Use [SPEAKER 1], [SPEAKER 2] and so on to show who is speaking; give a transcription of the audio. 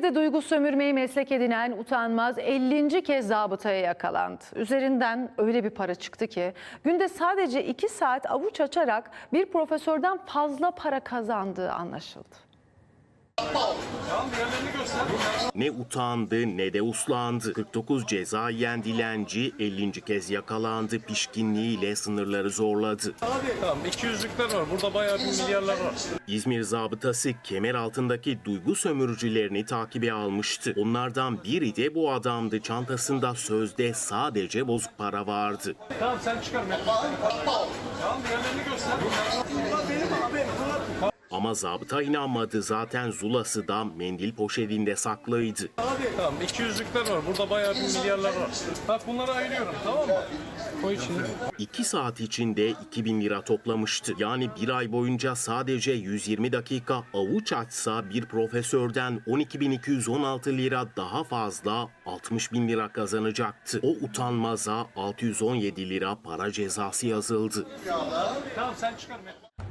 [SPEAKER 1] İzmir'de duygu sömürmeyi meslek edinen utanmaz 50. kez zabıtaya yakalandı. Üzerinden öyle bir para çıktı ki günde sadece 2 saat avuç açarak bir profesörden fazla para kazandığı anlaşıldı.
[SPEAKER 2] Ne utandı ne de uslandı. 49 ceza yiyen dilenci 50. kez yakalandı. Pişkinliğiyle sınırları zorladı.
[SPEAKER 3] Tamam 200'lükler var. Burada bayağı bir milyarlar var.
[SPEAKER 2] İzmir zabıtası kemer altındaki duygu sömürücülerini takibe almıştı. Onlardan biri de bu adamdı. Çantasında sözde sadece bozuk para vardı.
[SPEAKER 3] Tamam sen çıkar. Tamam diğerlerini göster.
[SPEAKER 2] Ama zabıta inanmadı. Zaten zulası da mendil poşetinde saklıydı.
[SPEAKER 3] Tamam 200'lükler var. Burada bayağı bir milyarlar var. Bak bunları ayırıyorum, tamam mı? Koy içine.
[SPEAKER 2] 2 saat içinde 2000 lira toplamıştı. Yani bir ay boyunca sadece 120 dakika avuç açsa bir profesörden 12.216 lira daha fazla 60.000 lira kazanacaktı. O utanmaza 617 lira para cezası yazıldı.
[SPEAKER 3] Tamam sen çıkar.